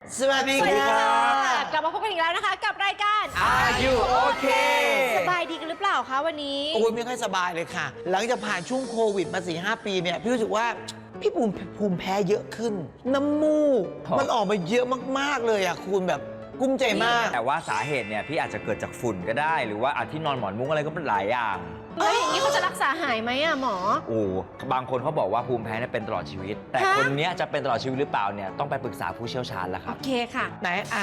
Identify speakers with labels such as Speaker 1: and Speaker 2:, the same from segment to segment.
Speaker 1: สวัสดี
Speaker 2: สวัสดี
Speaker 1: ค
Speaker 2: ค่ะ
Speaker 1: รับ
Speaker 2: กลับมาพบกันอีกแล้วนะคะกับรายการ
Speaker 1: Are You Okay
Speaker 2: สบายดีกันหรือเปล่าคะวันนี้
Speaker 1: โอ้ยไม่ค่อยสบายเลยค่ะ หลังจากผ่านช่วงโควิดมา 4-5 ปีเนี่ยพี่รู้สึกว่าพี่ภูมิแพ้เยอะขึ้น น้ำมูก มันออกมาเยอะมากๆเลยอ่ะคุณแบบกุ้มใจมาก
Speaker 3: แต่ว่าสาเหตุเนี่ยพี่อาจจะเกิดจากฝุ่นก็ได้ หรือว่าอาจที่นอนหมอนมุ้งอะไรก็เป็นหลายอย่าง
Speaker 2: แล้วอย่างนี้เขาจะรักษาหายไหมอะหมอ
Speaker 3: โอ้บางคนเขาบอกว่าภูมิแพ้เนี่ยเป็นตลอดชีวิต แต่
Speaker 2: ฮะ
Speaker 3: คนเนี้ยจะเป็นตลอดชีวิตหรือเปล่าเนี่ยต้องไปปรึกษาผู้เชี่ยวชาญแล้วค
Speaker 2: โอ
Speaker 3: รับ
Speaker 2: เคค่ะ
Speaker 1: ไหนอ่ะ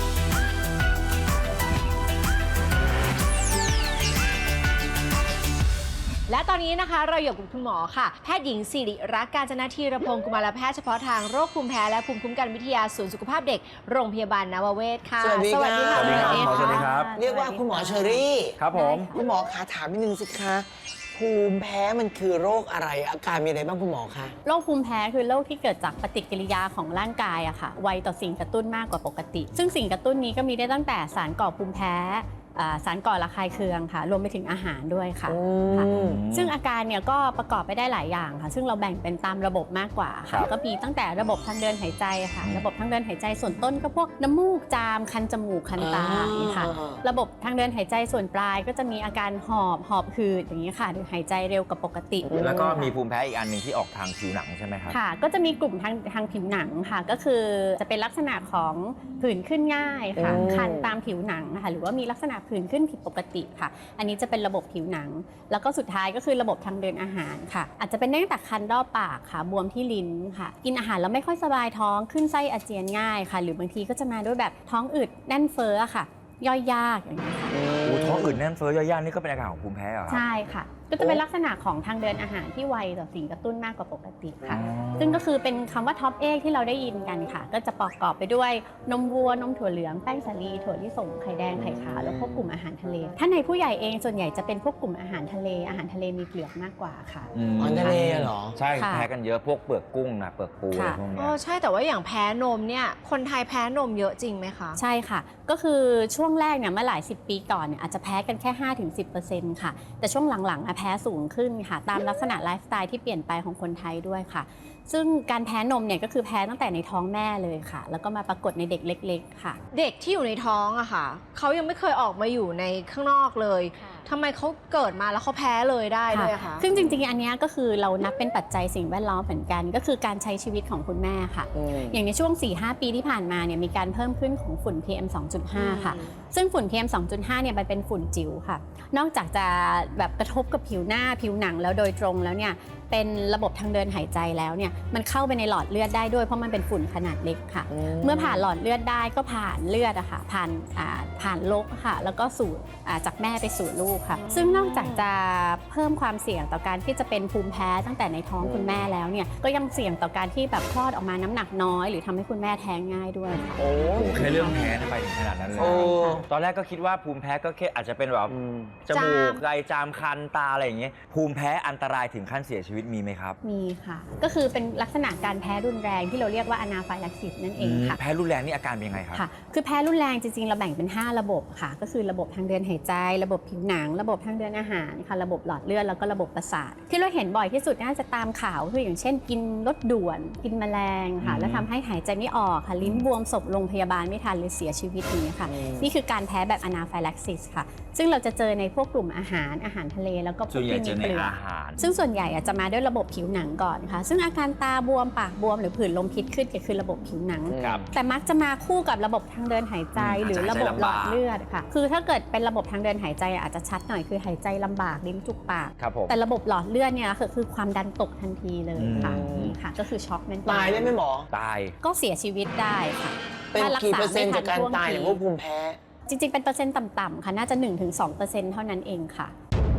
Speaker 2: และตอนนี้นะคะเราอยู่กับคุณหมอค่ะแพทย์หญิงสิริรักษ์กาญจนธีรพงศ์กุมารแพทย์เฉพาะทางโรคภูมิแพ้และภูมิคุ้มกันวิทยาศูนย์สุขภาพเด็กโรงพยาบาลนวเวศค่ะ
Speaker 1: สวัสดีค่ะ
Speaker 2: ค่ะ
Speaker 3: สวัสดีครับ
Speaker 2: ณหมอ
Speaker 3: สวัสดีครับ
Speaker 1: เรียกว่าคุณหมอเชอรี่
Speaker 3: ครับผม
Speaker 1: คุณหมอคะถามนิดนึงสิคะภูมิแพ้มันคือโรคอะไรอาการมีอะไรบ้างคุณหมอคะ
Speaker 4: โรคภูมิแพ้คือโรคที่เกิดจากปฏิกิริยาของร่างกายอะค่ะไวต่อสิ่งกระตุ้นมากกว่าปกติ ซึ่งสิ่งกระตุ้นนี้ก็มีได้ตั้งแต่สารก่อภูมิแพ้สารก่อระคายเคืองค่ะรวมไปถึงอาหารด้วยค่ะค่ะ ซึ่งอาการเนี่ยก็ประกอบไปได้หลายอย่างค่ะ ซึ่งเราแบ่งเป็นตามระบบมากกว่า
Speaker 3: ครั
Speaker 4: ค่ะ
Speaker 3: บ
Speaker 4: ก็มีตั้งแต่ระบบทางเดินหายใจค่ะ ระบบทางเดินหายใจส่วนต้นก็พวกน้ำมูกจามคันจมูกคันตาอย่างนี้ค่ะ ระบบทางเดินหายใจส่วนปลายก็จะมีอาการหอบหืดอย่างนี้ค่ะหรือหายใจเร็วกว่าปกติ
Speaker 3: แล้วก็มีภูมิแพ้อีกอันหนึ่งที่ออกทางผิวหนังใช่ไหมครับ
Speaker 4: ค่ะก็จะมีกลุ่มทางผิวหนังค่ะก็คือจะเป็นลักษณะของผื่นขึ้นง่ายค่ะคันตามผิวหนังนะคะหรือว่ามีลักษณะผื่นขึ้นผิดปกติค่ะอันนี้จะเป็นระบบผิวหนัง แล้วก็สุดท้ายก็คือระบบทางเดินอาหารค่ะอาจจะเป็นได้ตั้งแต่คันรอบปากค่ะบวมที่ลิ้นค่ะกินอาหารแล้วไม่ค่อยสบายท้องขึ้นไส้อาเจียนง่ายค่ะหรือบางทีก็จะมาด้วยแบบท้องอืดแน่นเฟ้อค่ะย่อยยากอย่างนี้ค่ะ
Speaker 3: โอ้ท้องอืดแน่นเฟ้อย่านนี่ก็เป็นอาการของภูมิแพ้เหรอครับ
Speaker 4: ใช่ค่ะก็จะเป็นลักษณะของทางเดินอาหารที่ไวต่อสิ่งกระตุ้นมากกว่าปกติค่ะ
Speaker 3: อ๋อ
Speaker 4: ซึ่งก็คือเป็นคำว่าท็อปเอกที่เราได้ยินกันค่ะ ก็จะประกอบไปด้วยนมวัวนมถั่วเหลืองแป้งสาลีถั่วลิสงไข่แดงไข่ขาวแล้วพวกกลุ่มอาหารทะเล ถ้าในผู้ใหญ่เองส่วนใหญ่จะเป็นพวกกลุ่มอาหารทะเลมีเปลือกมากกว่าค่ะ
Speaker 1: อาหารทะเลเหรอ
Speaker 3: ใช่
Speaker 4: ค่ะ
Speaker 3: แพ้กันเยอะพวกเปลือกกุ้งนะเปลือกปูอะไร
Speaker 4: ค่ะ
Speaker 3: พวกเนี้
Speaker 2: อ๋
Speaker 3: ย
Speaker 2: อใช่แต่ว่าอย่างแพ้นมเนี่ยคนไทยแพ้นมเยอะจริงไหมคะ
Speaker 4: ใช่ค่ะ ก็คือช่วงแรกเนี่ยเมื่อหลาย10 ปีก่อนเนี่ยอาจจะแพ้กันแค่ 5-10% ค่ะ แต่ช่วงหลังๆแพ้สูงขึ้นค่ะ ตามลักษณะไลฟ์สไตล์ที่เปลี่ยนไปของคนไทยด้วยค่ะ ซึ่งการแพ้นมเนี่ยก็คือแพ้ตั้งแต่ในท้องแม่เลยค่ะ แล้วก็มาปรากฏในเด็กเล็กๆค่ะ
Speaker 2: เด็กที่อยู่ในท้องอะค่ะเขายังไม่เคยออกมาอยู่ในข้างนอกเลยทำไมเขาเกิดมาแล้วเขาแพ้เลยได้ด้วยอะคะ
Speaker 4: ซึ่งจริงๆ อันเนี้ยก็คือเรานับเป็นปัจจัยสิ่งแวดล้อมเหมือนกัน ก็คือการใช้ชีวิตของคุณแม่ค่ะ อย่างในช่วง 4-5 ปีที่ผ่านมาเนี่ยมีการเพิ่มขึ้นของฝุ่น PM 2.5 ค่ะ ซึ่งฝุ่น PM 2.5 เนี่ยมันเป็นฝุ่นจิ๋วค่ะ นอกจากจะแบบกระทบกับผิวหน้าผิวหนังแล้วโดยตรงแล้วเนี่ยเป็นระบบทางเดินหายใจแล้วเนี่ยมันเข้าไปในหลอดเลือดได้ด้วยเพราะมันเป็นฝุ่นขนาดเล็กค่ะ เมื่อผ่านหลอดเลือดได้ก็ผ่านเลือดอะค่ะผ่านลกค่ะแล้วก็สู่จากแม่ไปสู่ลูกค่ะ ซึ่งนอกจากจะเพิ่มความเสี่ยงต่อการที่จะเป็นภูมิแพ้ตั้งแต่ในท้องคุณแม่แล้วเนี่ยก็ยังเสี่ยงต่อการที่แบบคลอดออกมาน้ำหนักน้อยหรือทำให้คุณแม่แท้งง่ายด้วยค่ะ
Speaker 1: โอ้
Speaker 3: โอ้โหแค่เรื่องแพ้เนี่ยไปถึงขนาดนั้นเลย
Speaker 1: โอ้
Speaker 3: ตอนแรกก็คิดว่าภูมิแพ้ก็แค่อาจจะเป็นแบบจมูกไอจามคันตาอะไรอย่างเงี้ยภูมิแพ้อันตรายถึงขั้นเสียชีวิตมีไหมครับ
Speaker 4: มีค่ะ ก็คือเป็นลักษณะการแพ้รุนแรงที่เราเรียกว่าอนาไฟลักซิสนั่นเองค่ะ
Speaker 3: แพ้รุนแรงนี่อาการเป็นยังไงครับ
Speaker 4: ค่ะ คือแพ้รุนแรงจริงๆ เราแบ่งเป็น 5 ระบบค่ะ ก็คือระบบทางเดินหายใจ ระบบผิวหนัง ระบบทางเดินอาหารค่ะ ระบบหลอดเลือด แล้วก็ระบบประสาท ที่เราเห็นบ่อยที่สุดน่าจะตามข่าวคืออย่างเช่น กินรถด่วน กินแมลงค่ะ แล้วทำให้หายใจไม่ออกค่ะ ลิ้นบวมศพโรงพยาบาลไม่ทันหรือเสียชีวิตอย่างนี้ยค่ะ นี่คือการแพ้แบบอนาไฟลักซิสค่ะ ซึ่งเราจะเจอในพวกกลุ่มอาหารทะเล แล้วก็พ
Speaker 3: ส่
Speaker 4: ว
Speaker 3: ว
Speaker 4: ก
Speaker 3: นใหญ่
Speaker 4: ที่
Speaker 3: เจ
Speaker 4: มี
Speaker 3: อใน
Speaker 4: เปลือก
Speaker 3: อาหาร
Speaker 4: ซึ่งส่วนใหญ่จะมาด้วยระบบผิวหนังก่อนค่ะ ซึ่งอาการตาบวมปากบวมหรือผื่นลมพิษขึ้นก็คือระบบผิวหนัง
Speaker 3: ครับ
Speaker 4: แต่มักจะมาคู่กับระบบทางเดินหายใจหรือระบบหลอดเลือดค่ะ คือถ้าเกิดเป็นระบบทางเดินหายใจอาจจะชัดหน่อยคือหายใจลำบากลิ้นจุกปาก
Speaker 3: ครับผม
Speaker 4: แต่ระบบหลอดเลือดเนี่ยคือความดันตกทันทีเลยค่ะนี่ค่ะ ก็คือช็อกเมน
Speaker 1: ตายได้ไหมหมอ
Speaker 3: ตาย
Speaker 4: ก็เสียชีวิตได้ค่ะ
Speaker 1: เป็น
Speaker 4: ถ้ารั
Speaker 1: กี่
Speaker 4: ษ
Speaker 1: เปอร์เซ็นต์จากการ
Speaker 4: ไม่ทัน
Speaker 1: ตายเนี่ย
Speaker 4: ท่
Speaker 1: พ
Speaker 4: ว
Speaker 1: ว
Speaker 4: ง
Speaker 1: ก
Speaker 4: ที
Speaker 1: ภูมิแพ้
Speaker 4: จริงๆเป็นเปอร์เซ็นต์ต่ำๆค่ะน่าจะ 1-2% เท่านั้นเองค่ะ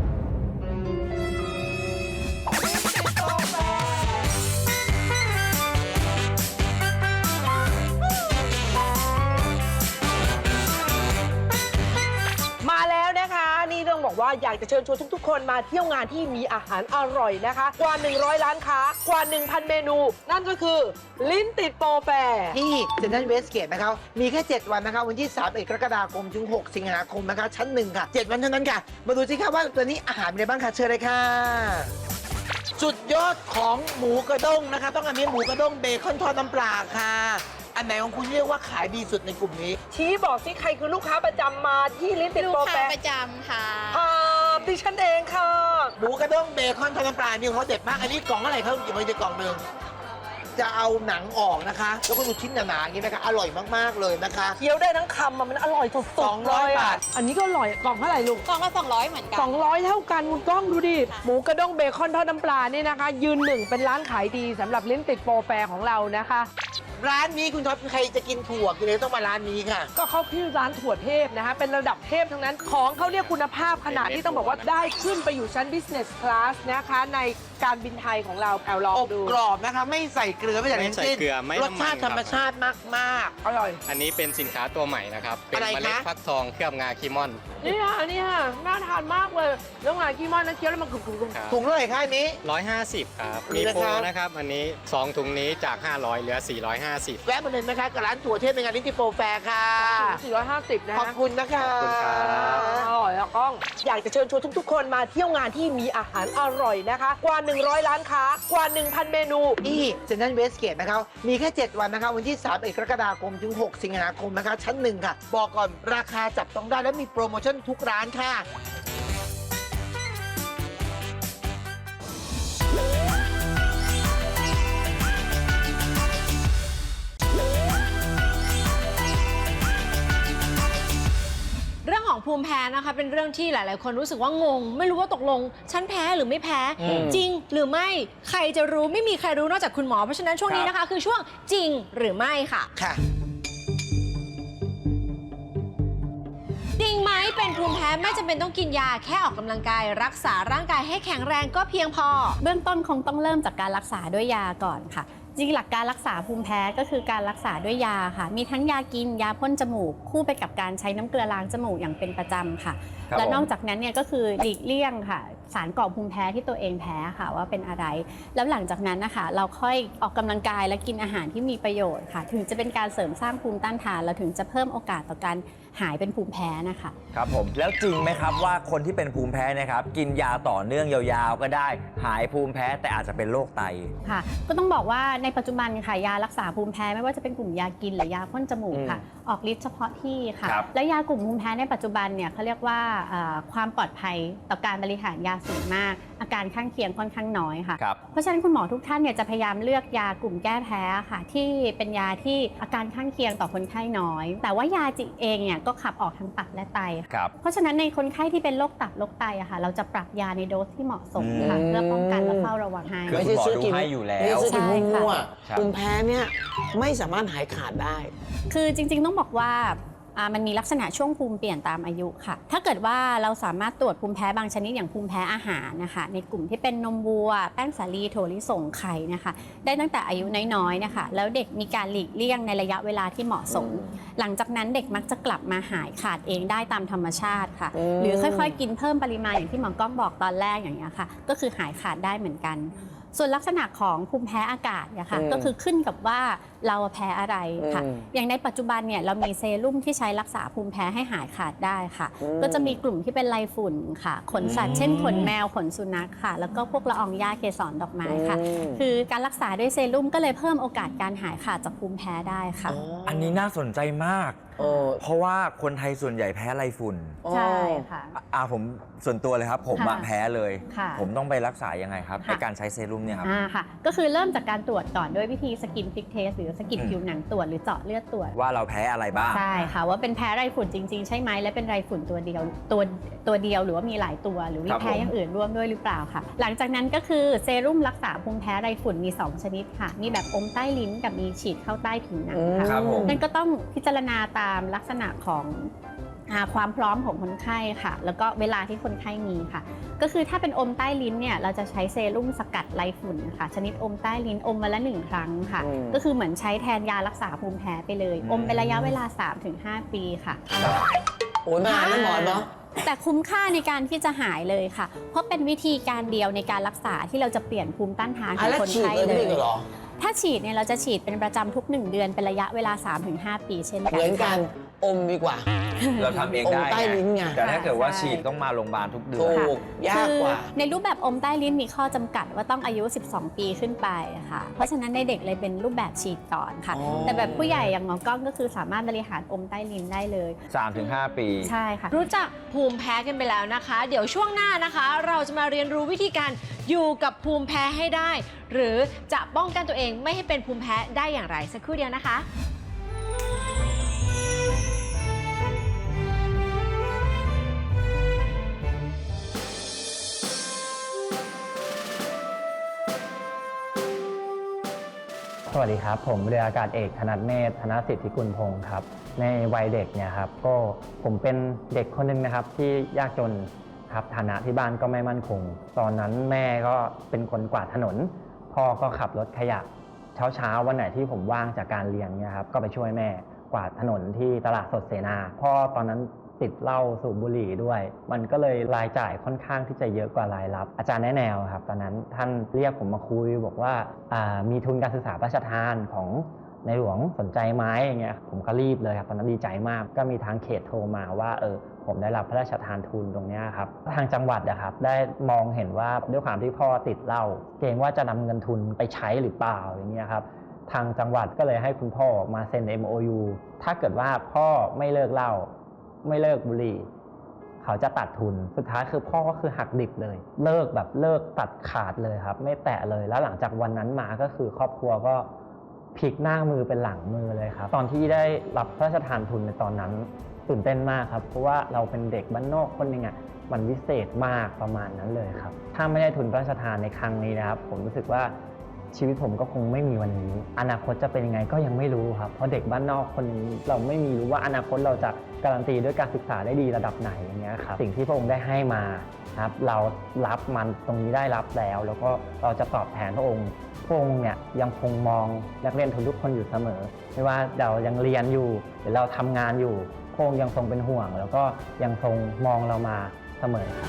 Speaker 5: มาแล้วนะคะนี่ต้องบอกว่าอยากจะเชิญชวนทุกๆ คนมาเที่ยวงานที่มีอาหารอร่อยนะคะ กว่า 100 ร้านค้ากว่า 1,000 เมนู นั่นก็คือลิ้นติดโปรแฟร์
Speaker 1: ที่เซ็นทรัลเวสเกตนะคะมีแค่ 7 วันนะคะ วันที่31 กรกฎาคมถึง 6 สิงหาคมนะคะ ชั้น 1 ค่ะ 7 วันเท่านั้นค่ะ มาดูสิคะว่าตัวนี้อาหารมีอะไรบ้างค่ะ เชิญเลยค่ะ สุดยอดของหมูกระด้งนะคะ ต้องอันนี้หมูกระด้งเบคอนทอดน้ำปลาค่ะอันไหนของคุณเรียกว่าขายดีสุดในกลุ่มนี้
Speaker 5: ชี้บอกสิใครคือลูกค้าประจำมาที่ลิ้นติด
Speaker 6: ลูก
Speaker 5: โปร
Speaker 6: ค้า
Speaker 5: แฟร์
Speaker 6: ประจำค่ะ
Speaker 5: ดิฉันเองค่ะ
Speaker 1: หมูกระด้งเบคอนทอดน้ำปลานี่เขาเด็ดมาก อันนี้กล่องอะไรเขาหยิบมาในกล่องหนึ่งจะเอาหนังออกนะคะ แล้วก็ดูชิ้นหนาๆอย่างนี้นะคะ อร่อยมากๆเลยนะคะ
Speaker 5: เคี้ยวได้ทั้งคำมันอร่อยสุดๆ
Speaker 1: 200
Speaker 5: เลยอะ
Speaker 1: บาท
Speaker 5: อันนี้ก็อร่อยกล่องเท่าไหร่ลูก
Speaker 6: กล่องละ200เหมือนกัน
Speaker 5: 200 เท่ากันคุณก้องดูดิ หมูกระด้งเบคอนทอดน้ำปลานี่นะคะ ยืนหนึ่งเป็นร้านขายดีสำหรับลิ้นติดโปรแฟร์ของเรานะคะ
Speaker 1: ร้านนี้คุณท็อปใครจะกินถั่วกินเลยต้องมาร้านนี้ค่ะ
Speaker 5: ก็เขาชื่อร้านถั่วเทพนะคะเป็นระดับเทพทั้งนั้นของเขาเรียกคุณภาพขนาดที่ต้องบอกว่าได้ขึ้นไปอยู่ชั้น business class นะคะในการบินไทยของเราแอลลอง
Speaker 1: อบ
Speaker 5: ดู
Speaker 1: กรอบนะคะ ไม่ใส่เกลือไม่ใส่
Speaker 7: ไม่
Speaker 1: น้ำ
Speaker 7: ใส่
Speaker 1: จิ้ม
Speaker 7: เกลือไม่
Speaker 1: ร
Speaker 7: น้ำมัน
Speaker 1: สชาติธรรมชาติมาก
Speaker 5: อร่อย
Speaker 7: อันนี้เป็นสินค้าตัวใหม่นะครับ เป็น
Speaker 1: อะไร
Speaker 7: เมล็ด
Speaker 1: คะ
Speaker 7: ฟักทองเคลือบงาคีมอน
Speaker 5: นี่ค่ะนี่ค่ะน่าทานมากเลยแล้วงากี้มอนนั้นเคี้ยวแล้วมันกรุบ
Speaker 7: ครับ
Speaker 1: ๆถุงเท่าไหร่คะอันนี้
Speaker 7: 150 ครับ
Speaker 1: นี่
Speaker 7: มี
Speaker 1: นะ
Speaker 7: โปร
Speaker 1: คะ
Speaker 7: นะครับ อันนี้ 2 ถุงนี้จาก 500 เหลือ 450
Speaker 1: แวะมาเลยนะคะกับร้านถั่วเทพในงานลิ้นติดโปรแฟร์ค่ะ
Speaker 5: 450 นะ
Speaker 1: ขอบคุณนะคะ
Speaker 7: ขอบคุณครับ
Speaker 5: อร่อยแล้วก้องอยากจะเชิญชวนทุกๆ คนมาเที่ยวงานที่มีอาหารอร่อยนะคะ กว่า 100 ร้านค้ากว่า 1,000 เมนู
Speaker 1: ที่เซ็นทรัลเวสเกตนะครับ มีแค่ 7 วันนะคะ วันที่3กรกฎาคมถึง 6 สิงหาคมนะคะ ชั้น 1 ค่ะ บอกก่อนราคาจับต้องได้และมีโปรโมชั่นทุกร้านค่ะ
Speaker 2: เรื่องของภูมิแพ้นะคะเป็นเรื่องที่หลาย ๆ คนรู้สึกว่างง ไม่รู้ว่าตกลงฉันแพ้หรือไม่แพ้ จริงหรือไม่ใครจะรู้ไม่มีใครรู้นอกจากคุณหมอเพราะฉะนั้นช่วงนี้นะคะ คือช่วงจริงหรือไม่ค่ะ
Speaker 1: ค่ะ
Speaker 2: จริงไหมเป็นภูมิแพ้ไม่จำเป็นต้องกินยาแค่ออกกำลังกายรักษาร่างกายให้แข็งแรงก็เพียงพอ
Speaker 4: เบื้องต้นคงต้องเริ่มจากการรักษาด้วยยาก่อนค่ะ จริงหลักการรักษาภูมิแพ้ก็คือการรักษาด้วยยาค่ะ มีทั้งยากินยาพ่นจมูก คู่ไปกับการใช้น้ำเกลือล้างจมูกอย่างเป็นประจำค่ะ
Speaker 3: ครับ
Speaker 4: และนอก
Speaker 3: ผม
Speaker 4: จากนั้นเนี่ยก็คือหลีกเลี่ยงค่ะ สารก่อภูมิแพ้ที่ตัวเองแพ้ค่ะว่าเป็นอะไร แล้วหลังจากนั้นนะคะเราค่อยออกกำลังกายและกินอาหารที่มีประโยชน์ค่ะ ถึงจะเป็นการเสริมสร้างภูมิต้านทานและถึงจะเพิ่มโอกาสต่อการหายเป็นภูมิแพ้นะคะ
Speaker 3: ครับผมแล้วจริงไหมครับว่าคนที่เป็นภูมิแพ้เนะครับกินยาต่อเนื่องยาวๆก็ได้หายภูมิแพ้แต่อาจจะเป็นโรคไต
Speaker 4: ค่ะก็ต้องบอกว่าในปัจจุบันค่ะยารักษาภูมิแพ้ไม่ว่าจะเป็นกลุ่มยากินหรือยาพ่นจมูกค่ะออกฤทธิ์เฉพาะที่ค่ะ
Speaker 3: ครับ
Speaker 4: และยากลุ่มภูมิแพ้ในปัจจุบันเนี่ยเขาเรียกว่าความปลอดภัยต่อการบริหารยาสูงมาก อาการข้างเคียงค่อนข้างน้อยค่ะ
Speaker 3: ครับ
Speaker 4: เพราะฉะนั้นคุณหมอทุกท่านเนี่ยจะพยายามเลือกยากลุ่มแก้แพ้ค่ะที่เป็นยาที่อาการข้างเคียงต่อคนไข้น้อย แต่ว่ายาจิเองเนี่ยก็ขับออกทางตับและไตค่ะ
Speaker 3: ครับ
Speaker 4: เพราะฉะนั้นในคนไข้ที่เป็นโรคตับโรคไตอะค่ะเราจะปรับยาในโดสที่เหมาะสมค่ะเพื่อป้องกันและเฝ้าระวังให้
Speaker 3: คือคุณหมอดูให้อยู่แล้ว
Speaker 1: ไม่ใช่ซื้อกินมั่ว
Speaker 3: ครับ
Speaker 1: ๆภูมิแพ้เนี่ยไม่สามารถหายขาดได้
Speaker 4: คือจริงๆต้องบอกว่ามันมีลักษณะช่วงภูมิเปลี่ยนตามอายุค่ะ ถ้าเกิดว่าเราสามารถตรวจภูมิแพ้บางชนิดอย่างภูมิแพ้อาหารนะคะในกลุ่มที่เป็นนมวัว แป้งสาลีถั่วลิสงไข่นะคะได้ตั้งแต่อายุน้อยๆนะคะแล้วเด็กมีการหลีกเลี่ยงในระยะเวลาที่เหมาะสม หลังจากนั้นเด็กมักจะกลับมาหายขาดเองได้ตามธรรมชาติค่ะ หรือค่อยๆ กินเพิ่มปริมาณอย่างที่หมอกล้องบอกตอนแรกอย่างนี้ยค่ะก็คือหายขาดได้เหมือนกัน ส่วนลักษณะของภูมิแพ้อากาศเนี่ยค่ะก็คือขึ้นกับว่าเราแพ้อะไรค่ะอย่างในปัจจุบันเนี่ยเรามีเซรุ่มที่ใช้รักษาภูมิแพ้ให้หายขาดได้ค่ะ ก็จะมีกลุ่มที่เป็นไรฝุ่นค่ะขนสัตว์เช่นขนแมวขนสุนัขค่ะ แล้วก็พวกละอองหญ้าเกสรดอกไม้ค่ะ คือการรักษาด้วยเซรุ่มก็เลยเพิ่มโอกาสการหายขาดจากภูมิแพ้ได้ค่ะ
Speaker 3: อันนี้น่าสนใจมาก เพราะว่าคนไทยส่วนใหญ่แพ้ไรฝุ่น
Speaker 4: ใช่ค่ะ
Speaker 3: ผมส่วนตัวเลยครับ ผมอะ
Speaker 4: ค่ะ
Speaker 3: แพ้เลย
Speaker 4: ค่ะ
Speaker 3: ผมต้องไปรักษายังไงครับ
Speaker 4: ค่ะ
Speaker 3: ในการใช้เซรุ่มเนี่ยครับ
Speaker 4: ค่ะก็คือเริ่มจากการตรวจก่อนด้วยวิธีสกินพริกเทสหรือสกินผิวหนังตรวจหรือเจาะเลือดตรวจ
Speaker 3: ว่าเราแพ้อะไรบ้าง
Speaker 4: ใช่ค่ะว่าเป็นแพ้ไรฝุ่นจริงๆ ใช่ไหมและเป็นไรฝุ่นตัวเดียวตัวเดียวหรือว่ามีหลายตัวหรือมี
Speaker 3: ครับ
Speaker 4: แพ้
Speaker 3: ผม
Speaker 4: อย่างอื่นร่วมด้วยหรือเปล่าค่ะ หลังจากนั้นก็คือเซรุ่มรักษาภูมิแพ้ไรฝุ่นมี 2 ชนิดค่ะ มีแบบอมใต้ลิ้นกับมีฉีดเข้าใต้ผิวหนังค่ะ
Speaker 3: ครับผม
Speaker 4: นั่นก็ต้องพิจารณาตามลักษณะของความพร้อมของคนไข้ค่ะ แล้วก็เวลาที่คนไข้มีค่ะ ก็คือถ้าเป็นอมใต้ลิ้นเนี่ยเราจะใช้เซรุ่มสกัดไรฝุ่นนะคะชนิดอมใต้ลิ้นอมวันละ1 ครั้งค่ะ ก็คือเหมือนใช้แทนยารักษาภูมิแพ้ไปเลย อมเป็นระยะเวลา 3-5 ปีค่ะ
Speaker 1: โอ้ยนานนะหมอเนาะ
Speaker 4: แต่คุ้มค่าในการที่จะหายเลยค่ะ เพราะเป็นวิธีการเดียวในการรักษาที่เราจะเปลี่ยนภูมิต้านทานของ
Speaker 1: แล้ว
Speaker 4: คน
Speaker 1: ฉีด
Speaker 4: ไข้
Speaker 1: เลย
Speaker 4: เล
Speaker 1: ไม่
Speaker 4: ย
Speaker 1: ได้เหรอ
Speaker 4: ถ้าฉีดเนี่ยเราจะฉีดเป็นประจำทุก 1 เดือนเป็นระยะเวลา 3-5 ปีเช่นกัน
Speaker 1: เหมือนกันอมดีกว่า
Speaker 3: เราทำเองได้
Speaker 1: อมใต้ลิ้นไง
Speaker 3: แต่ถ้าเกิดว่า
Speaker 4: ใช่
Speaker 3: ฉีดต้องมาโรงพยาบาลทุกเดือน
Speaker 1: ถูกยากกว่า
Speaker 4: คือในรูปแบบอมใต้ลิ้นมีข้อจำกัดว่าต้องอายุ 12 ปีขึ้นไปค่ะ เพราะฉะนั้นในเด็กเลยเป็นรูปแบบฉีดก่อนค่ะ
Speaker 1: อ๋อ
Speaker 4: แต่แบบผู้ใหญ่อย่างหมอกล้องก็คือสามารถบริหารอมใต้ลิ้นได้เลย
Speaker 3: 3-5 ปี
Speaker 4: ใช่ค่ะ
Speaker 2: รู้จักภูมิแพ้กันไปแล้วนะคะ เดี๋ยวช่วงหน้านะคะ เราจะมาเรียนรู้วิธีการอยู่กับภูมิแพ้ให้ได้ หรือจะป้องกันตัวเองไม่ให้เป็นภูมิแพ้ได้อย่างไรสักครู่เดียวนะคะ
Speaker 6: สวัสดีครับ ผมเรืออากาศเอกธนัทเมธธนสิทธิกุลพงศ์ครับในวัยเด็กเนี่ยครับก็ผมเป็นเด็กคนหนึงนะครับที่ยากจนครับฐานะที่บ้านก็ไม่มั่นคง ตอนนั้นแม่ก็เป็นคนกวาดถนนพ่อก็ขับรถขยะเช้าวันไหนที่ผมว่างจากการเรียนเนี่ยครับก็ไปช่วยแม่กวาดถนนที่ตลาดสดเสนาพ่อตอนนั้นติดเหล้าสูบบุหรี่ด้วย มันก็เลยรายจ่ายค่อนข้างที่จะเยอะกว่ารายรับอาจารย์แนะแนวครับตอนนั้นท่านเรียกผมมาคุยบอกว่ามีทุนการศึกษาพระราชทานของในหลวงสนใจไหมอย่างเงี้ยผมก็รีบเลยครับตอนนั้นดีใจมากก็มีทางเขตโทรมาว่าผมได้รับพระราชทานทุนตรงนี้ครับทางจังหวัดนะครับได้มองเห็นว่าด้วยความที่พ่อติดเหล้าเกรงว่าจะนำเงินทุนไปใช้หรือเปล่าอย่างเงี้ยครับทางจังหวัดก็เลยให้คุณพ่อมาเซ็น MOU ถ้าเกิดว่าพ่อไม่เลิกเหล้าไม่เลิกบุหรี่เขาจะตัดทุนสุดท้ายคือพ่อก็คือหักดิบเลยเลิกตัดขาดเลยครับไม่แตะเลยแล้วหลังจากวันนั้นมาก็คือครอบครัวก็พลิกหน้ามือเป็นหลังมือเลยครับตอนที่ได้รับพระราชทานทุนในตอนนั้นตื่นเต้นมากครับเพราะว่าเราเป็นเด็กบ้านนอกคนหนึ่งอ่ะมันวิเศษมากประมาณนั้นเลยครับถ้าไม่ได้ทุนพระราชทานในครั้งนี้นะครับผมรู้สึกว่าชีวิตผมก็คงไม่มีวันนี้อนาคตจะเป็นยังไงก็ยังไม่รู้ครับเพราะเด็กบ้านนอกคนนี้เราไม่มีรู้ว่าอนาคตเราจะการันตีด้วยการศึกษาได้ดีระดับไหนอย่างเงี้ยครับสิ่งที่พระองค์ได้ให้มาครับเรารับมันตรงนี้ได้รับแล้วก็เราจะตอบแทนพระองค์เนี่ยยังคงมองนักเรียนทุกคนอยู่เสมอไม่ว่าเรายังเรียนอยู่หรือเราทำงานอยู่พระองค์ยังทรงเป็นห่วงแล้วก็ยังทรงมองเรามาเสมอครับ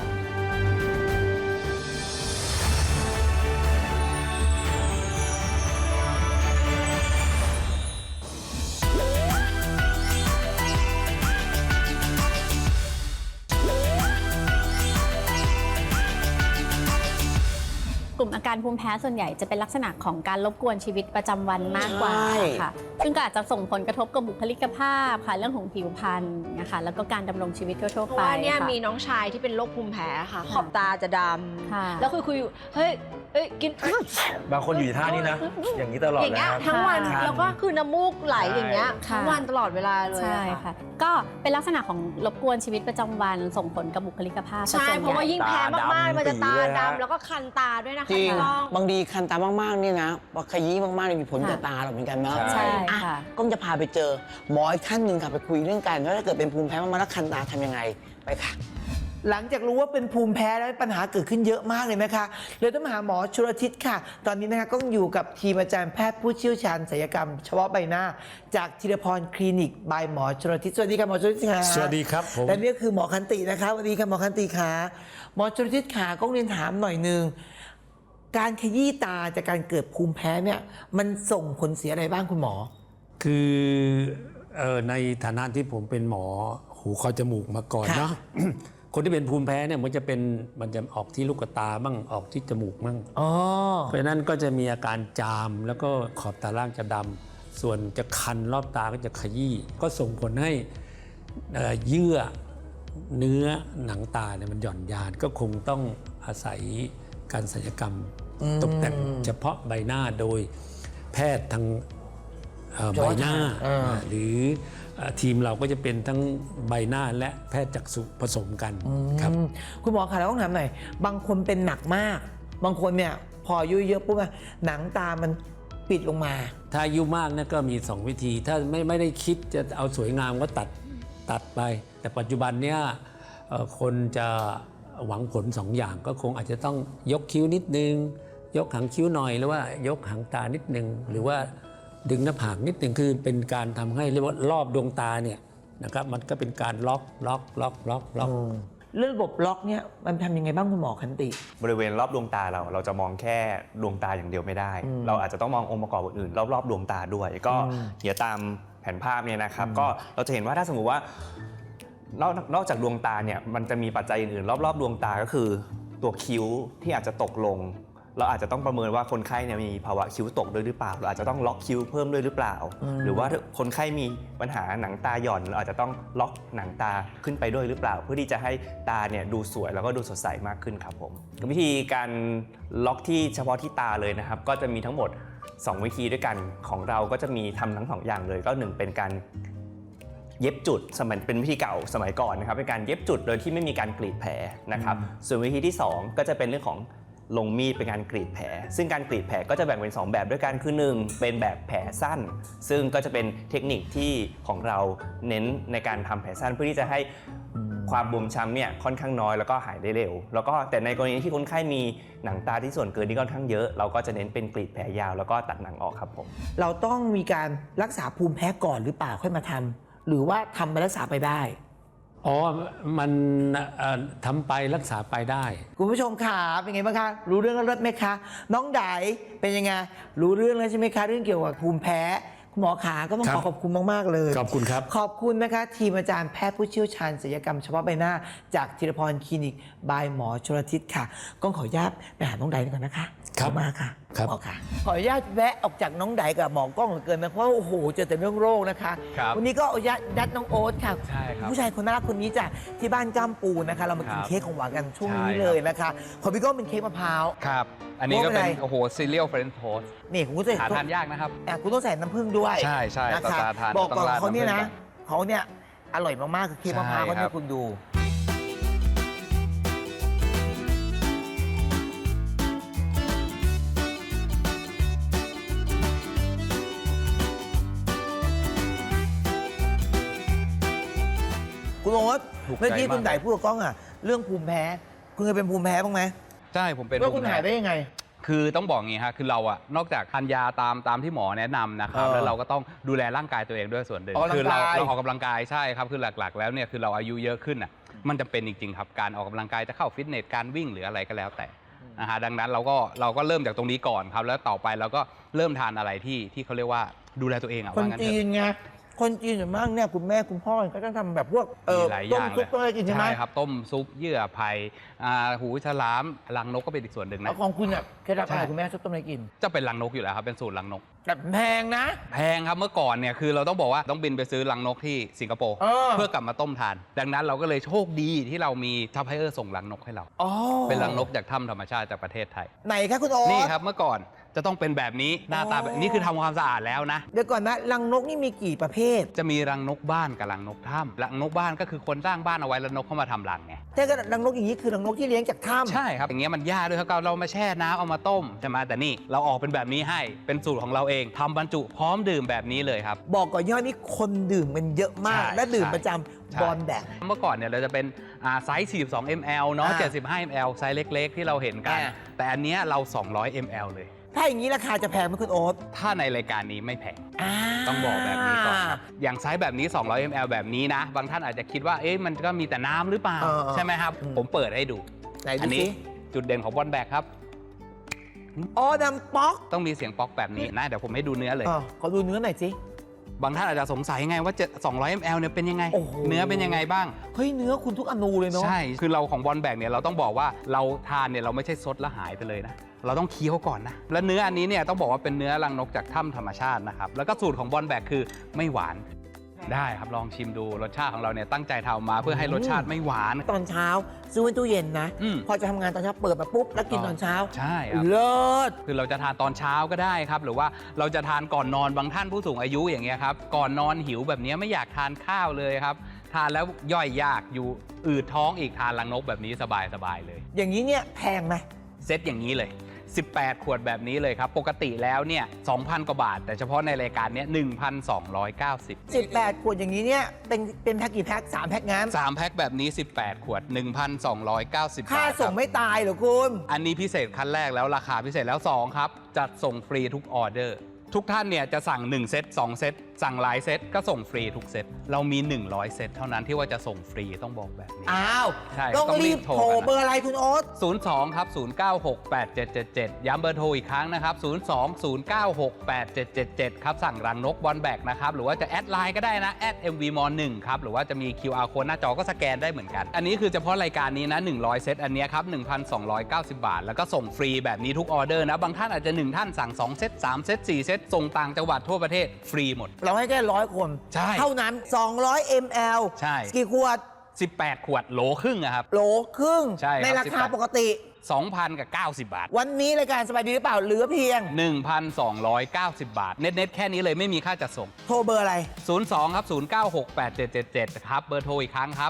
Speaker 4: กลุ่มอาการภูมิแพ้ส่วนใหญ่จะเป็นลักษณะของการรบกวนชีวิตประจำวันมากกว่า
Speaker 1: ใช่
Speaker 4: ค่ะซึ่งก็อาจจะส่งผลกระทบกับบุคลิกภาพค่ะเรื่องของผิวพรรณนะคะแล้วก็การดำรงชีวิตทั่ว
Speaker 2: เพ
Speaker 4: ๆ
Speaker 2: ราะ
Speaker 4: ไป
Speaker 2: ว่าเนี่ย
Speaker 4: ค่ะ
Speaker 2: มีน้องชายที่เป็นโรคภูมิแพ้ค่ะ ขอบตาจะด
Speaker 4: ค่ะ
Speaker 2: ำแล้วคุยอยู่เฮ้ยกิน
Speaker 3: บางคนอยู่ท่านี้นะ อย่างนี้ตลอด
Speaker 2: อย่าง
Speaker 3: เลย
Speaker 2: เงี้ย
Speaker 3: ครับ
Speaker 2: ทั้งวัน
Speaker 3: ค่ะ
Speaker 2: แล้วก็คือน้ำมูกไหลอย่างเงี้ย
Speaker 4: ใช่
Speaker 2: ทั้งวันตลอดเวลาเลย
Speaker 4: ใช่
Speaker 2: อะ
Speaker 4: ค่ะ ก็เป็นลักษณะของรบกวนชีวิตประจำวันส่งผลกับบุคลิกภาพ
Speaker 2: ใช่
Speaker 4: ส่วน
Speaker 2: เพ
Speaker 4: ใหญ่
Speaker 2: ราะว่ายิ่งแพ้มากๆมันจะตา
Speaker 3: ตาดำปีเลยฮะ
Speaker 2: ดำแล้วก็คันตาด้วยนะคะ
Speaker 1: จริง
Speaker 2: พี่ก้อง
Speaker 1: บางทีคันตามากๆนี่นะพอขยี้มากๆเนี่ยมีผลกับตาเราเหมือนกันนะ
Speaker 4: ใช่
Speaker 1: อ่ะ
Speaker 4: ค่ะ
Speaker 1: ก้องจะพาไปเจอหมออีกท่านหนึ่งค่ะไปคุยเรื่องการว่าถ้าเกิดเป็นภูมิแพ้มากๆแล้วคันตาทำยังไงไปค่ะ หลังจากรู้ว่าเป็นภูมิแพ้แล้วปัญหาเกิดขึ้นเยอะมากเลยไหมคะเลยต้องมาหาหมอชลทิศค่ะ ตอนนี้นะคะก็อยู่กับทีมอาจารย์แพทย์ผู้เชี่ยวชาญศัลยกรรมเฉพาะใบหน้า จากธีรพรคลินิกบายหมอชลทิศสวัสดีค่ะหมอชลทิศค่ะ
Speaker 8: สวัสดีครับผม
Speaker 1: และนี่ก็คือหมอคันตินะคะสวัสดีค่ะหมอคันติค่ะหมอชลทิศค่ะก็เรียนถามหน่อยนึงการขยี้ตาจากการเกิดภูมิแพ้เนี่ยมันส่งผลเสียอะไรบ้างคุณหมอ
Speaker 8: คือในฐานะที่ผมเป็นหมอหูคอจมูกมาก่อน
Speaker 1: ค่ะ
Speaker 8: เนาะ คนที่เป็นภูมิแพ้เนี่ยมันจะออกที่ลูกตาบ้างออกที่จมูกบ้าง
Speaker 1: อ๋อ
Speaker 8: เพราะฉะนั้นก็จะมีอาการจามแล้วก็ขอบตาล่างจะดำส่วนจะคันรอบตาก็จะขยี้ก็ส่งผลให้เยื่อเนื้อหนังตาเนี่ยมันหย่อนยานก็คงต้องอาศัยการศัลยกรรมตกแต่งเฉพาะใบหน้าโดยแพทย์ทางใบหน้าหรือทีมเราก็จะเป็นทั้งใบหน้าและแพทย์จักษุผสมกันครับ
Speaker 1: คุณหมอคะเราต้องถามหน่อยบางคนเป็นหนักมาก บางคนเนี่ยพออายุเยอะปุ๊บอะหนังตามันปิดลงมา
Speaker 8: ถ้าอายุมากนะก็มี 2 วิธี ถ้าไม่ได้คิดจะเอาสวยงามก็ตัดไป แต่ปัจจุบันเนี่ยคนจะหวังผล 2 อย่างก็คงอาจจะต้องยกคิ้วนิดนึง ยกหางคิ้วหน่อยหรือว่ายกหางตานิดนึงหรือว่าดึงหน้าผากนิดนึงคือเป็นการทำให้เรียกว่ารอบดวงตาเนี่ยนะครับมันก็เป็นการล็อก
Speaker 1: เรื่องระบบล็อกเนี่ยมันทำยังไงบ้างคุณหมอคันติ
Speaker 9: บริเวณรอบดวงตาเราจะมองแค่ดวงตาอย่างเดียวไม่ได้ เราอาจจะต้องมององค์ประกอบอื่นๆรอบๆดวงตาด้วยก็เดี๋ยวตามแผนภาพเนี่ยนะครับก็เราจะเห็นว่าถ้าสมมติว่านอกจากดวงตาเนี่ยมันจะมีปัจจัยอื่นๆรอบๆดวงตาก็คือตัวคิ้วที่อาจจะตกลงเราอาจจะต้องประเมินว่าคนไข้เนี่ยมีภาวะคิ้วตกด้วยหรือเปล่าเราอาจจะต้องล็อกคิ้วเพิ่มด้วยหรือเปล่าหรือว่าคนไข้มีปัญหาหนังตาหย่อนเราอาจจะต้องล็อกหนังตาขึ้นไปด้วยหรือเปล่าเพื่อที่จะให้ตาเนี่ยดูสวยแล้วก็ดูสดใสมากขึ้นครับผมวิธีการล็อกที่เฉพาะที่ตาเลยนะครับก็จะมีทั้งหมด2 วิธีด้วยกันของเราก็จะมีทำทั้ง2 อย่างเลยก็1เป็นการเย็บจุดเป็นวิธีเก่าสมัยก่อนนะครับเป็นการเย็บจุดโดยที่ไม่มีการกรีดแผลนะครับส่วนวิธีที่2ก็จะเป็นเรื่องของลงมีดเป็นการกรีดแผลซึ่งการกรีดแผลก็จะแบ่งเป็น2แบบด้วยกันคือ1เป็นแบบแผลสั้นซึ่งก็จะเป็นเทคนิคที่ของเราเน้นในการทำแผลสั้นเพื่อที่จะให้ความบวมช้ำเนี่ยค่อนข้างน้อยแล้วก็หายได้เร็วแล้วก็แต่ในกรณีที่คนไข้มีหนังตาที่ส่วนเกินที่ค่อนข้างเยอะเราก็จะเน้นเป็นกรีดแผลยาวแล้วก็ตัดหนังออกครับผม
Speaker 1: เราต้องมีการรักษาภูมิแพ้ก่อนหรือเปล่าค่อยมาทำหรือว่าทำไปรักษาไปได้
Speaker 8: อ๋อมันทำไปรักษาไปได้
Speaker 1: คุณผู้ชมค่ะเป็นไงบ้างคะรู้เรื่องแล้วเลิศไหมคะน้องไดเป็นยังไงรู้เรื่องแล้วใช่ไหมคะเรื่องเกี่ยวกับภูมิแพ้คุณหมอขาก็ต้องขอบคุณมากๆเลย
Speaker 8: ขอบคุณครับ
Speaker 1: ขอบคุณนะคะทีมอาจารย์แพทย์ผู้เชี่ยวชาญศัลยกรรมเฉพาะใบหน้าจากธีรพรคลินิกบายหมอชลทิศค่ะก็ขออนุญาตไปหาน้องไดก่อนนะคะ
Speaker 8: ครับ
Speaker 1: มาค่ะ
Speaker 8: ครับ
Speaker 1: หมอค่ะขออนุญาตแวะออกจากน้องไดกับหมอกล้องเหลือเกินนะเพราะโอ้โหเจอแต่เรื่องโรคนะคะวันนี้ก็อนุญาตยัดน้องโอ๊ตค่ะผู้ชายคนน่ารักคนนี้จากที่บ้านจ้ำปูนะคะเรามากินเค้กของหวานกันช่วงนี้เลยนะคะของพี่ก้องเป็นเค้กมะพร้าว
Speaker 10: ครับอันนี้ก็เป็นโอ้โหซีเรียลเฟรนช์โทสต์
Speaker 1: นี่คุณก็จะ
Speaker 10: หาทานยากนะครับ
Speaker 1: คุณต้องใส่น้ำผึ้งด้วย
Speaker 10: ใช่
Speaker 1: นะคะบอกก่อนเขาเนี่ยนะเขาเนี่ยอร่อยมากๆคือเค้กมะพร้าวเขาเนี่ยคุณดูคุณโอ๊ตเมื่อกี้คุณไดพูดกับกล้องอ่ะเรื่องภูมิแพ้คุณเคยเป็นภูมิแพ้บ้างไหม
Speaker 10: ใช่ผมเป็น
Speaker 1: แล้วคุณหายได้ยังไง
Speaker 10: คือต้องบอกงี้ฮะคือเราอะนอกจากทานยาตามที่หมอแนะนำนะครับแล้วเราก็ต้องดูแลร่างกายตัวเองด้วยส่วนหนึ่งคือเราออกกำลังกายใช่ครับคือหลักๆแล้วเนี่ยคือเราอายุเยอะขึ้นอ่ะมันจะเป็นจริงๆครับการออกกำลังกายจะเข้าฟิตเนสการวิ่งหรืออะไรก็แล้วแต่นะฮะดังนั้นเราก็เริ่มจากตรงนี้ก่อนครับแล้วต่อไปเราก็เริ่มทานอะไรที่เขาเรียกว่าดูแลตัวเองอะ
Speaker 1: คนจีนไงคนจีนส่วนมากเนี่ยคุณแม่คุณพ่อก็ต้องทำแบบพวกต้มซุปอะไรกินใช่ไหม
Speaker 10: ใช่ครับต้มซุปเยื่อไผ่หูฉลามรังนกก็เป็นอีกส่วนหนึ่งนะ
Speaker 1: ของคุณเนี่ยเคล็ดลับอะไรคุณแม่ชอบต้มอะไรกิน
Speaker 10: จะเป็นรังนกอยู่แล้วครับเป็นสูตรรังนก
Speaker 1: แต่แพงนะ
Speaker 10: แพงครับเมื่อก่อนเนี่ยคือเราต้องบอกว่าต้องบินไปซื้อรังนกที่สิงคโปร์เพื่อกลับมาต้มทานดังนั้นเราก็เลยโชคดีที่เรามีซัพพลายเออร์ส่งรังนกให้เราเป็นรังนกจากถ้ำธรรมชาติจากประเทศไทย
Speaker 1: ไหนครับคุณโอ๊ต
Speaker 10: นี่ครับเมื่อก่อนจะต้องเป็นแบบนี้หน้าตาแบบนี้คือทำความสะอาดแล้วนะ
Speaker 1: เดี๋ยวก่อนนะรังนกนี่มีกี่ประเภท
Speaker 10: จะมีรังนกบ้านกับรังนกถ้ำรังนกบ้านก็คือคนสร้างบ้านเอาไว้แล้วนกเข้ามาทำรังไง
Speaker 1: แต่ก็รังนกอย่างนี้คือรังนกที่เลี้ยงจากถ้ำ
Speaker 10: ใช่ครับอย่างเงี้ยมันยากด้วยครับเรามาแช่น้ำเอามาต้มใช่ไหมแต่นี่เราออกเป็นแบบนี้ให้เป็นสูตรของเราเองทำบรรจุพร้อมดื่มแบบนี้เลยครับ
Speaker 1: บอกก่อนย่อนี่คนดื่มมันเยอะมากและดื่มประจำบอลแบก
Speaker 10: เมื่อก่อนเนี่ยเราจะเป็นไซส์42 ml เนาะ75 ml ไซส์เล็กๆที่เราเห็นกันแต่อันเนี้ยเรา200 ml เลย
Speaker 1: ถ้าอย่างนี้ราคาจะแพงไหมคุณโอ๊ต
Speaker 10: ถ้าในรายการนี้ไม่แพงต้องบอกแบบนี้ก่อนอย่างไซส์แบบนี้200 ml แบบนี้นะบางท่านอาจจะคิดว่าเอ๊ะมันก็มีแต่น้ำหรือเปล่าใช่ไหมครับผมเปิดให้ดู
Speaker 1: อันนี้
Speaker 10: จุดเด่นของบอลแบกครับ
Speaker 1: ดังป๊อก
Speaker 10: ต้องมีเสียงป๊อกแบบนี้นะเดี๋ยวผมให้ดูเนื้อเลย
Speaker 1: ขอดูเนื้อหน่อยสิ
Speaker 10: บางท่านอาจจะสงสัยไงว่า200 ml เนี่ยเป็นยังไงเนื้อเป็นยังไงบ้าง
Speaker 1: เฮ้ยเนื้อคุณทุกอนูเลยเนาะ
Speaker 10: ใช่คือเราของบอลแบกเนี่ยเราต้องบอกว่าเราทานเนี่ยเราไม่ใช่ซดแล้วหายไปเลยนะเราต้องเคี้ยวก่อนนะและเนื้ออันนี้เนี่ยต้องบอกว่าเป็นเนื้อรังนกจากถ้ำธรรมชาตินะครับแล้วก็สูตรของบอลแบกคือไม่หวานได้ครับลองชิมดูรสชาติของเราเนี่ยตั้งใจทำมาเพื่อให้รสชาติไม่หวาน
Speaker 1: ตอนเช้าซื้อไว้ตู้เย็นนะพอจะทำงานตอนเช้าเปิดมาปุ๊บแล้วกินตอนเช้า
Speaker 10: ใช่ครับ
Speaker 1: เลิศ
Speaker 10: คือเราจะทานตอนเช้าก็ได้ครับหรือว่าเราจะทานก่อนนอนบางท่านผู้สูงอายุอย่างเงี้ยครับก่อนนอนหิวแบบนี้ไม่อยากทานข้าวเลยครับทานแล้วย่อยยากอยู่อืดท้องอีกทานรังนกแบบนี้สบายเลย
Speaker 1: อย่างนี้เนี่ยแพงไหม
Speaker 10: เซตอย่างนี้เลย18 ขวดแบบนี้เลยครับปกติแล้วเนี่ย 2,000 กว่าบาทแต่เฉพาะในรายการนี้ 1,290
Speaker 1: 18 ขวดอย่างนี้เนี่ยเป็นแพ็คกี่แพ็ค3แพ็คงั้น
Speaker 10: 3แพ็คแบบนี้18 ขวด 1,290 บาท
Speaker 1: ค่าส่งไม่ตายเหรอคุณ
Speaker 10: อันนี้พิเศษขั้นแรกแล้วราคาพิเศษแล้ว2ครับจัดส่งฟรีทุกออเดอร์ทุกท่านเนี่ยจะสั่ง1เซต2เซตสั่งหลายเซตก็ส่งฟรีทุกเซตเรามี 100 เซตเท่านั้นที่ว่าจะส่งฟรีต้องบอกแบบนี้
Speaker 1: อ้าว
Speaker 10: ใช่
Speaker 1: ต้องรีบโทร
Speaker 10: กันนะ
Speaker 1: เบอร์อะไรคุณโอ๊ต
Speaker 10: 02 ครับ 0968777 ย้ำเบอร์โทรอีกครั้งนะครับ 02-0968777 ครับ สั่งรังนกบอลแบกนะครับ หรือว่าจะแอดไลน์ก็ได้นะ @mvmon1 ครับ หรือว่าจะมี QR code หน้าจอก็สแกนได้เหมือนกัน อันนี้คือเฉพาะรายการนี้นะ 100 เซต อันเนี้ยครับ 1,290 บาท แล้วก็ส่งฟรีแบบนี้ทุกออเดอร์นะ บางท่านอาจจะ 1 ท่านสั่ง 2 เซต 3 เซต 4 เซต ส่งต่างจังหวัดทั่วประเทศฟรีหมด
Speaker 1: เราให้แค่100 คน
Speaker 10: ใช่
Speaker 1: เท่านั้น 200 ml
Speaker 10: ใช่
Speaker 1: กี่ขวด
Speaker 10: 18 ขวดโหลครึ่งอะครับ
Speaker 1: โหลครึ่ง
Speaker 10: ใช่ครับ
Speaker 1: ในราคา
Speaker 10: 18
Speaker 1: ปกติ
Speaker 10: 2,000 กับ 90 บาท
Speaker 1: วันนี้รายการสบายดีหรือเปล่าเหลือเพียง
Speaker 10: 1,290 บาท เน็ตๆแค่นี้เลยไม่มีค่าจัดส่ง
Speaker 1: โทรเบอร์อะไร
Speaker 10: 02 ครับ 0968777 ครับ เบอร์โทรอีกครั้งครับ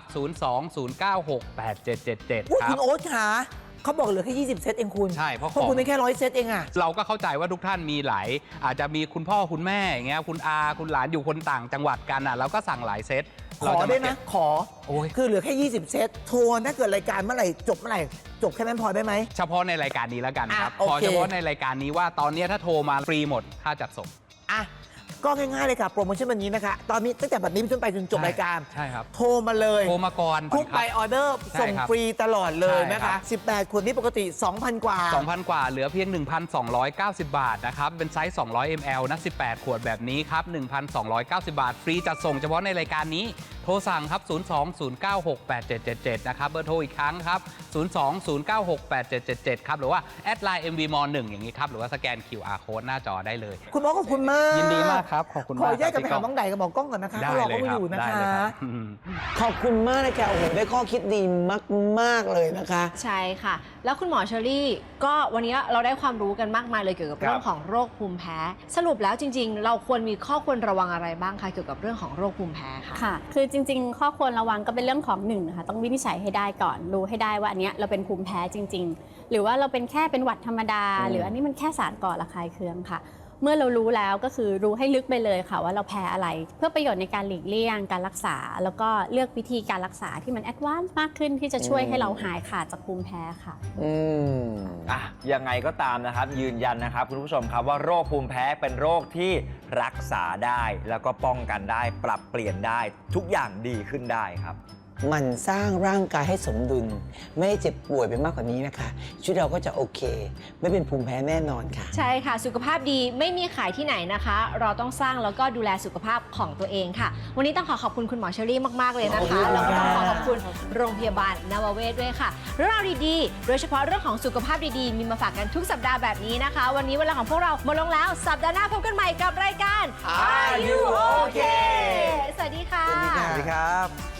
Speaker 10: 02-0968777
Speaker 1: อุ๊ย
Speaker 10: ครั
Speaker 1: คุ
Speaker 10: บ
Speaker 1: ณโอ๊ตขาเขาบอกเหลือแค่ 20 เซตเองคุณ
Speaker 10: ใช่เพราะ
Speaker 1: คุณได้แค่100 เซตเองอะ
Speaker 10: เราก็เข้าใจว่าทุกท่านมีหลายอาจจะมีคุณพ่อคุณแม่อย่างเงี้ยคุณอาคุณหลานอยู่คนต่างจังหวัดกันอ่ะเราก็สั่งหลายเซต
Speaker 1: ขอได้ไหมขอ
Speaker 10: โอ้ย
Speaker 1: คือเหลือแค่ 20 เซตโทรถ้าเกิดรายการเมื่อไหร่จบเมื่อไหร่จบแค่นั้นพอได้ไหม
Speaker 10: เฉพาะในรายการนี้แล้วกันครับ
Speaker 1: โอเค
Speaker 10: ขอเฉพาะในรายการนี้ว่าตอนนี้ถ้าโทรมาฟรีหมดค่าจัดส่ง
Speaker 1: อ่ะก็ง่ายๆเลยค่ะโปรโมชั่นวันนี้นะคะ ตอนนี้ตั้งแต่บัดนี้เป็นต้นไปจนจบรายการ
Speaker 10: ใช่ครับ
Speaker 1: โทรมาเลย
Speaker 10: โทรมาก่อน
Speaker 1: ทุกใบออเดอร์
Speaker 10: ใช่
Speaker 1: ส่ง
Speaker 10: ครับ
Speaker 1: ฟรีตลอดเลย
Speaker 10: ใช่
Speaker 1: นะ
Speaker 10: ครั
Speaker 1: คะ
Speaker 10: บ
Speaker 1: 18 ขวดนี้ปกติ 2,000 กว่า
Speaker 10: 2,000 กว่าเหลือเพียง 1,290 บาทนะครับ เป็นไซส์ 200 ml นะ 18 ขวดแบบนี้ครับ 1,290 บาท ฟรีจัดส่งเฉพาะในรายการนี้ โทรสั่งครับ 02-0968777 นะครับ เบอร์โทรอีกครั้งครับ 02-0968777 ครับ หรือว่าแอดไลน์ mvmon1 อย่างนี้ครับ หรือว่าสแกน QR code หน้าจอได้เลย
Speaker 1: คุณหมอขอบคุณมาก
Speaker 10: ยินดีมากครับ ขอบคุณ
Speaker 1: ข
Speaker 10: มา
Speaker 1: อก อนุญาตกลับไป
Speaker 10: ค
Speaker 1: หา
Speaker 10: รับ
Speaker 1: น้องไดกับหมอกล้องก่อนนะคะ
Speaker 10: ได้
Speaker 1: เขารอ
Speaker 10: เลย
Speaker 1: เขา
Speaker 10: ครับ
Speaker 1: อยู่นะ
Speaker 10: ได้
Speaker 1: คะ
Speaker 10: เลยครับ
Speaker 1: ขอบคุณมากเลยค่ะโอ้โหได้ข้อคิดดีมากๆเลยนะคะ
Speaker 2: ใช่ค่ะ แล้วคุณหมอเชอรี่ก็วันนี้เราได้ความรู้กันมากมายเลยเกี่ยวกับ
Speaker 3: ครับ
Speaker 2: เรื่องของโรคภูมิแพ้ สรุปแล้วจริง ๆ เราควรมีข้อควรระวังอะไรบ้างคะเกี่ยวกับเรื่องของโรคภูมิแพ้ค่ะ
Speaker 4: ค่ะ คือจริงๆ ข้อควรระวังก็เป็นเรื่องของหนึ่งนะคะต้องวินิจฉัยให้ได้ก่อน รู้ให้ได้ว่าอันเนี้ยเราเป็นภูมิแพ้จริง ๆ หรือว่าเราเป็นแค่เป็นหวัดธรรมดา หรืออันนี้มันแค่สารก่อระคายเคืองค่ะ เมื่อเรารู้แล้วก็คือรู้ให้ลึกไปเลยค่ะว่าเราแพ้อะไร เพื่อประโยชน์ในการหลีกเลี่ยงการรักษา แล้วก็เลือกวิธีการรักษาที่มันแอดวานซ์มากขึ้นที่จะช่วยให้เราหายขาดจากภูมิแพ้ค่ะ
Speaker 3: ยังไงก็ตามนะครับยืนยันนะครับคุณผู้ชมครับว่าโรคภูมิแพ้เป็นโรคที่รักษาได้แล้วก็ป้องกันได้ปรับเปลี่ยนได้ทุกอย่างดีขึ้นได้ครับ
Speaker 1: มันสร้างร่างกายให้สมดุล ไม่ได้เจ็บป่วยไปมากกว่านี้นะคะชีวิตเราก็จะโอเค ไม่เป็นภูมิแพ้แน่นอนค่ะ
Speaker 2: ใช่ค่ะ สุขภาพดีไม่มีขายที่ไหนนะคะ เราต้องสร้างแล้วก็ดูแลสุขภาพของตัวเองค่ะ วันนี้ต้องขอบคุณคุณหมอเชอรี่มากๆเลยนะคะ แล้วก็ต้องขอบคุณโรงพยาบาลนวเวศด้วยค่ะเรื่องราวดีๆ โดยเฉพาะเรื่องของสุขภาพดีๆ มีมาฝากกันทุกสัปดาห์แบบนี้นะคะ วันนี้เวลาของพวกเราหมดลงแล้วสัปดาห์หน้าพบกันใหม่กับรายการ
Speaker 1: Are You Okay
Speaker 2: สวัสดีค่ะ
Speaker 1: สวัสดีครับ